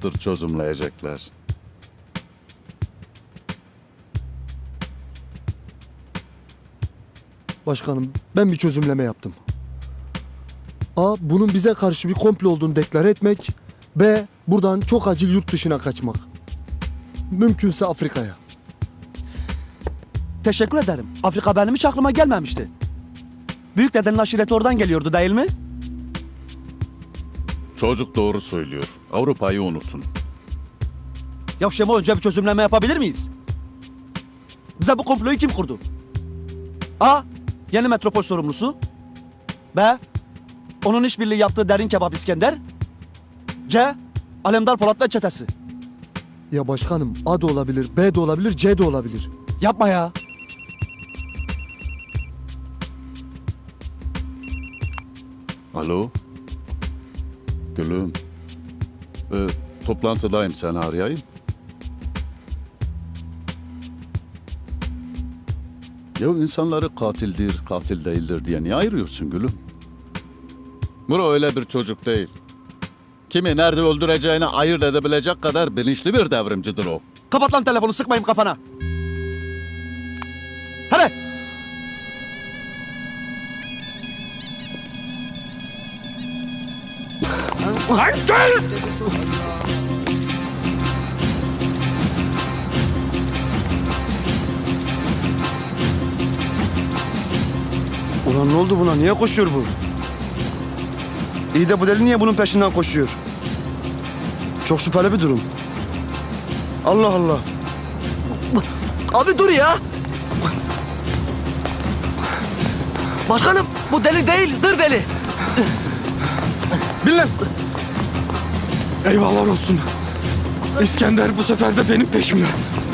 yaptır çözümleyecekler. Başkanım, ben bir çözümleme yaptım. A. Bunun bize karşı bir komplo olduğunu deklar etmek. B. Buradan çok acil yurt dışına kaçmak. Mümkünse Afrika'ya. Teşekkür ederim. Afrika benim hiç aklıma gelmemişti. Büyük dedenin aşireti oradan geliyordu değil mi? Çocuk doğru söylüyor. Avrupa'yı unutun. Ya Şemo, önce bir çözümleme yapabilir miyiz? Bize bu komployu kim kurdu? A. Yeni metropol sorumlusu. B. Onun işbirliği yaptığı Derin Kebap İskender. C. Alemdar Polat ve çetesi. Ya başkanım, A da olabilir, B de olabilir, C de olabilir. Yapma ya. Alo? Gülüm. Toplantıdayım, seni arayayım. Ya insanları katildir, katil değildir diye niye ayırıyorsun gülüm? Muro öyle bir çocuk değil. Kimi nerede öldüreceğini ayırt edebilecek kadar bilinçli bir devrimcidir o. Kapat lan telefonu, sıkmayayım kafana. Hadi. Ulan ne oldu buna? Niye koşuyor bu? İyi de bu deli niye bunun peşinden koşuyor? Çok şüpheli bir durum. Allah Allah. Abi dur ya. Başkanım bu deli değil, zır deli. Bin lan. Eyvallah olsun. İskender bu sefer de benim peşimde.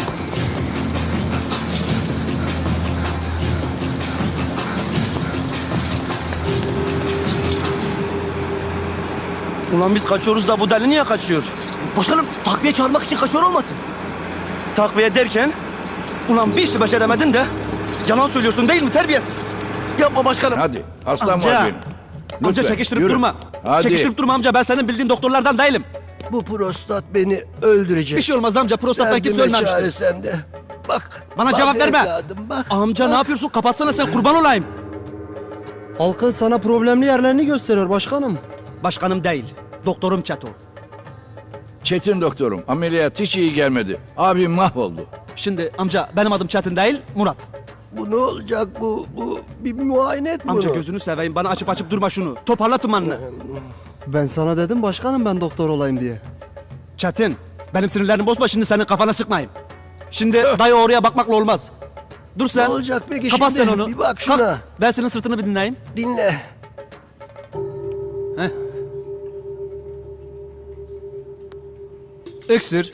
Ulan biz kaçıyoruz da bu deli niye kaçıyor? Başkanım takviye çağırmak için kaçıyor olmasın? Takviye derken, ulan bir işi beceremedin de yalan söylüyorsun değil mi terbiyesiz? Yapma başkanım. Hadi aslan Amca. vaziyim. Amca Lütfen, çekiştirip yürü. durma. Hadi. Çekiştirip durma amca, ben senin bildiğin doktorlardan değilim. Bu prostat beni öldürecek. Bir şey olmaz amca, prostattan kimse Derdime çare ölmemiştir. sende. Bak. Bana bak cevap verme. evladım, bak. Amca ne yapıyorsun? Kapatsana sen, kurban olayım. Halkın sana problemli yerlerini gösteriyor başkanım. Başkanım değil, doktorum Çeto. Çetin doktorum, ameliyat hiç iyi gelmedi. Abim mahvoldu. Şimdi amca benim adım Çetin değil, Murat. Bu ne olacak bu? Bu bir muayene et bunu. Amca gözünü seveyim, bana açıp açıp durma şunu. Toparla tımanını. Ben sana dedim başkanım, ben doktor olayım diye. Çetin, benim sinirlerimi bozma, şimdi senin kafana sıkmayayım. Şimdi dayı oraya bakmakla olmaz. Dur sen. Ne olacak peki Kapat şimdi? sen onu. Bir bak şuna. Kalk, ben senin sırtını bir dinleyeyim. Dinle. Öksür.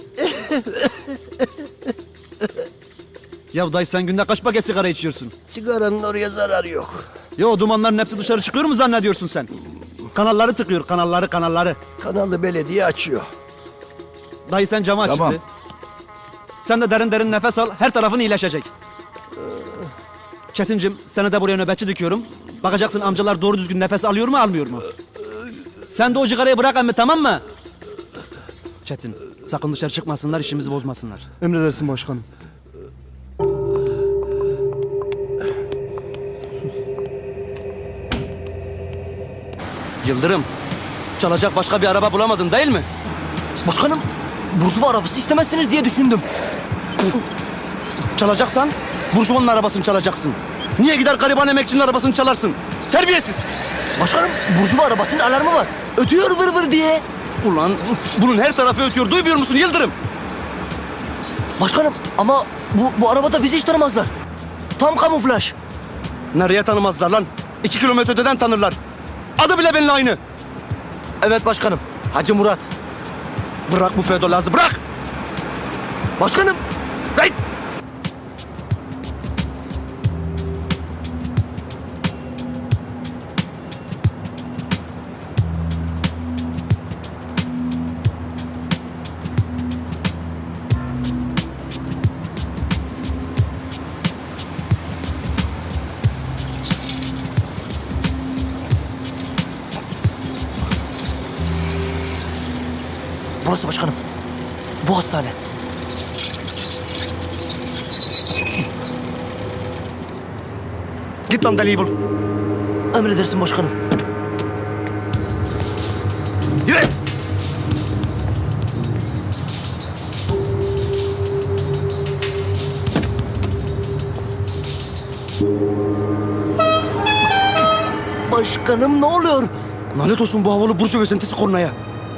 Ya dayı sen günde kaç paket sigara içiyorsun? Sigaranın oraya zararı yok. Ya o dumanların hepsi dışarı çıkıyor mu zannediyorsun sen? Kanalları tıkıyor, kanalları. Kanalı belediye açıyor. Dayı sen camı aç Tamam. şimdi. Sen de derin derin nefes al, her tarafın iyileşecek. Çetincim, seni de buraya nöbetçi dikiyorum. Bakacaksın amcalar doğru düzgün nefes alıyor mu, almıyor mu? Sen de o cigarayı bırak emmi, tamam mı? Çetin, sakın dışarı çıkmasınlar, işimizi bozmasınlar. Emredersin başkanım. Yıldırım, çalacak başka bir araba bulamadın değil mi? Başkanım burjuva arabası istemezsiniz diye düşündüm. Çalacaksan burjuvanın arabasını çalacaksın. Niye gider gariban emekçinin arabasını çalarsın? Terbiyesiz! Başkanım burjuva arabasının alarmı var. Ötüyor vır vır diye. Ulan bunun her tarafı ötüyor, duymuyor musun Yıldırım? Başkanım ama bu arabada bizi hiç tanımazlar. Tam kamuflaj. Nereye tanımazlar lan? 2 kilometre öteden tanırlar. Adı bile benimle aynı. Evet başkanım. Hacı Murat. Bırak bu Fedolaz'ı, bırak! Başkanım. Hey! burası başkanım. Bu hastane. Git lan deliği bul. Emredersin başkanım. Yürü! Başkanım ne oluyor? Lanet olsun bu havalı burcu özentisi kornaya.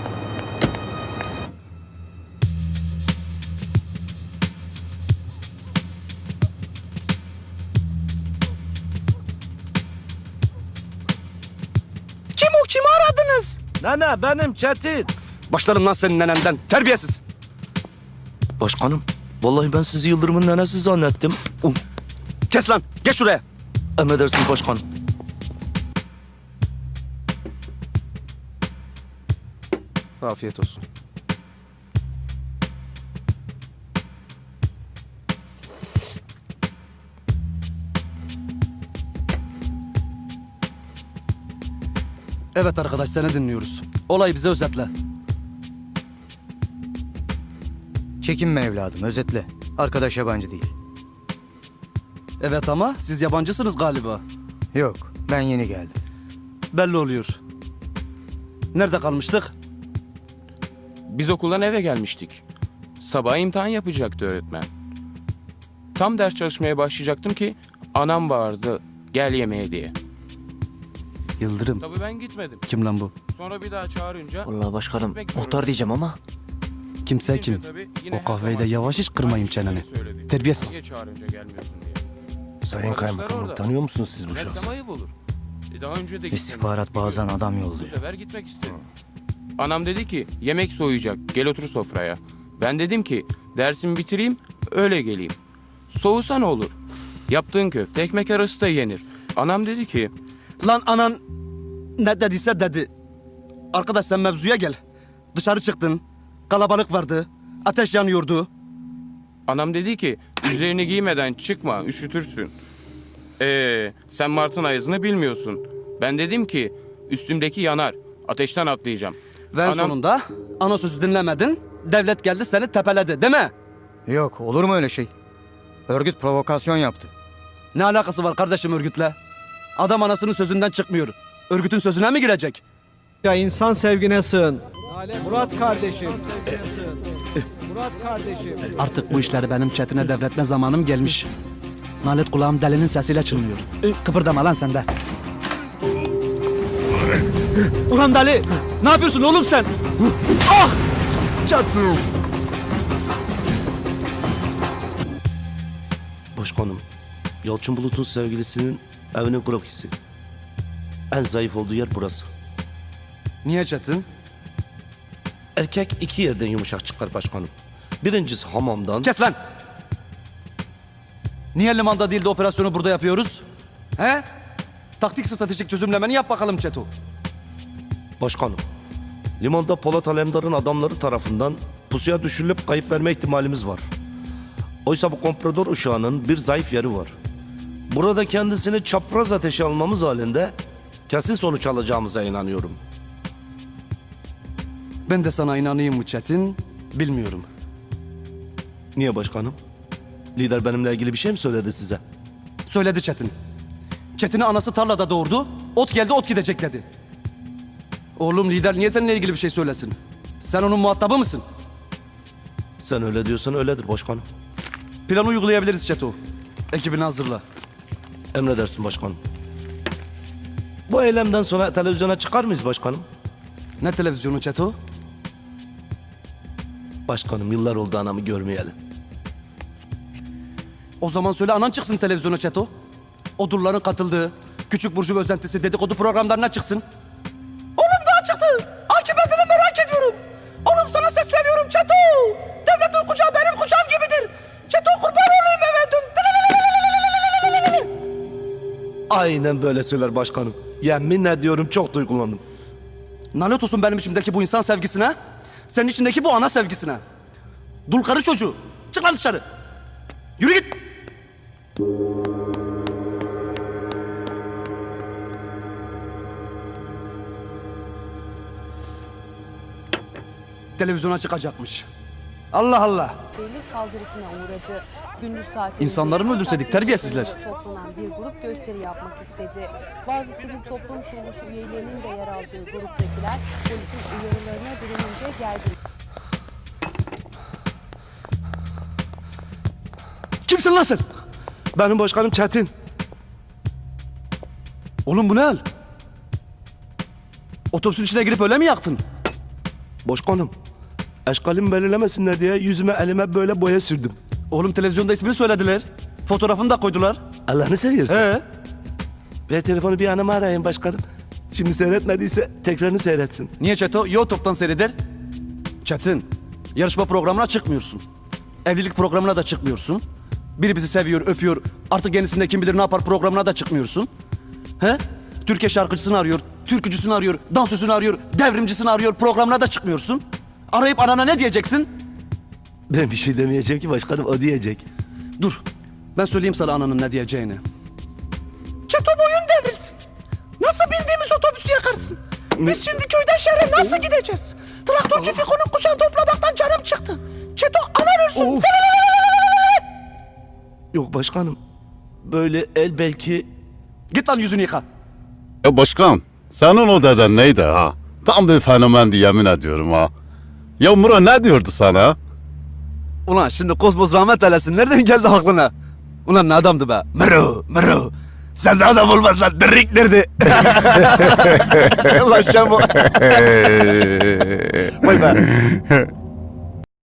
Kim o? Kimi aradınız? Nene benim Çetin. Başlarım lan senin nenenden. Terbiyesiz. Başkanım, vallahi ben sizi Yıldırım'ın nenesi zannettim. Kes lan. Geç şuraya. Emredersiniz başkanım. Afiyet olsun. Evet arkadaş seni dinliyoruz. Olayı bize özetle. Çekinme evladım, özetle. Arkadaş yabancı değil. Evet ama siz yabancısınız galiba. Yok, ben yeni geldim. Belli oluyor. Nerede kalmıştık? Biz okuldan eve gelmiştik. Sabah imtihan yapacaktı öğretmen. Tam ders çalışmaya başlayacaktım ki anam bağırdı gel yemeğe diye. Yıldırım. Tabii ben gitmedim. Kim lan bu? Sonra bir daha çağırınca Vallahi başkanım, gitmek zorunda. muhtar diyeceğim ama. Kimse kim? Tabii yine O her kahveyi de zaman yavaş iç kırmayayım aynı şeyleri çeneni. söyledi. Terbiyesiz. Niye çağırınca gelmiyorsun diye. Sayın Arkadaşlar Kaymakamım orada. tanıyor musunuz siz bu Gelsem şahsı? ayıp olur. Daha önce de gitmemiştim. İstihbarat bazen adam Bu yolluyor. sefer gitmek istedim. Anam dedi ki yemek soğuyacak gel otur sofraya. Ben dedim ki dersimi bitireyim öyle geleyim. Soğusa ne olur? Yaptığın köfte ekmek arası da yenir. Anam dedi ki Lan anan ne dediyse dedi. Arkadaş sen mevzuya gel. Dışarı çıktın. Kalabalık vardı. Ateş yanıyordu. anam dedi ki üzerini giymeden çıkma üşütürsün. Sen Mart'ın ayazını bilmiyorsun. Ben dedim ki üstümdeki yanar. Ateşten atlayacağım. Ve en Anam- sonunda ana sözü dinlemedin. Devlet geldi seni tepeledi değil mi? Yok, olur mu öyle şey? Örgüt provokasyon yaptı. Ne alakası var kardeşim örgütle? Adam anasının sözünden çıkmıyor. Örgütün sözüne mi girecek? Ya insan sevgine sığın. Murat kardeşim. Murat kardeşim. Artık bu işleri benim çetine devretme zamanım gelmiş. Nalet kulağım delinin sesiyle çınlıyor. Kıpırdama lan sen de. Ulan deli! Ne yapıyorsun oğlum sen? Ah! Çatlım. Başkanım, Yalçın Bulut'un sevgilisinin evinin krokisi. En zayıf olduğu yer burası. Niye Çetin? Erkek iki yerden yumuşak çıkar başkanım. Birincisi hamamdan. Kes lan! Niye limanda değil de operasyonu burada yapıyoruz? He? Taktik stratejik çözümlemeni yap bakalım Çeto. Başkanım, limanda Polat Alemdar'ın adamları tarafından pusuya düşürülüp kayıp verme ihtimalimiz var. Oysa bu komprador uşağının bir zayıf yeri var. Burada kendisini çapraz ateşe almamız halinde kesin sonuç alacağımıza inanıyorum. Ben de sana inanayım mı Çetin? Bilmiyorum. Niye başkanım? Lider benimle ilgili bir şey mi söyledi size? Söyledi Çetin. Çetin'i anası tarlada doğurdu. Ot geldi ot gidecek dedi. Oğlum lider niye seninle ilgili bir şey söylesin? Sen onun muhatabı mısın? Sen öyle diyorsan öyledir başkanım. Planı uygulayabiliriz Çeto. Ekibini hazırla. Emredersin başkanım. Bu eylemden sonra televizyona çıkar mıyız başkanım? Ne televizyonu Çeto? Başkanım yıllar oldu anamı görmeyeli. O zaman söyle anan çıksın televizyona Çeto. Odurların katıldığı, küçük burcu özentisi dedikodu programlarına çıksın. Oğlum daha çıktı. Akıbetini merak ediyorum. Oğlum sana sesleniyorum Çeto. Devletin kucağı benim kucağım gibidir. Çeto kurban olayım eve dön. Aynen böyle söyler başkanım. Yemin ediyorum çok duygulandım. Lanet olsun benim içimdeki bu insan sevgisine. Senin içindeki bu ana sevgisine. Dul karı çocuğu. Çık lan dışarı. Yürü git. televizyona çıkacakmış. Allah Allah. deli saldırısına uğradı. Gündüz saatlerinde İnsanları mı öldürseydik, Taksim terbiyesizler? Meydanı'nda toplanan bir grup gösteri yapmak istedi. Bazı sivil toplum kuruluşu üyelerinin de yer aldığı gruptakiler polisin uyarılarına direnince gergin. Kimsin lan sen? Benim başkanım Çetin. Oğlum bu ne hal? Otobüsün içine girip öyle mi yaktın? Başkanım. Eşkalimi belirlemesinler diye yüzüme elime böyle boya sürdüm. Oğlum televizyonda ismini söylediler. Fotoğrafını da koydular. Allah'ını seviyorsun. He? Ver telefonu bir anama arayayım başkanım. Şimdi seyretmediyse tekrarını seyretsin. Niye Çeto? YouTube'dan seyreder. Çetin, yarışma programına çıkmıyorsun. Evlilik programına da çıkmıyorsun. Biri bizi seviyor, öpüyor. Artık yenisinde kim bilir ne yapar programına da çıkmıyorsun. He? Türkiye şarkıcısını arıyor, türkücüsünü arıyor, dansözünü arıyor, devrimcisini arıyor. Programına da çıkmıyorsun. Arayıp anana ne diyeceksin? Ben bir şey demeyeceğim ki başkanım, o diyecek. Dur, ben söyleyeyim sana ananın ne diyeceğini. Çeto boyun devrilsin. Nasıl bildiğimiz otobüsü yakarsın? Biz şimdi köyden şehre nasıl gideceğiz? Traktörcü Fiko'nun kucağını toplamaktan canım çıktı. Çeto anan ölsün. Yok başkanım. Böyle el belki... Git lan yüzünü yıka. Ya başkan, senin o deden neydi ha? Tam bir fenomendi yemin ediyorum ha. Ya Muro ne diyordu sana? Ulan şimdi Kozmos rahmet eylesin. Nereden geldi aklına? Ulan ne adamdı be? Mero. Sen de adam olmaz lan. Dirrik derdi. Ulan Şamo. Vay be.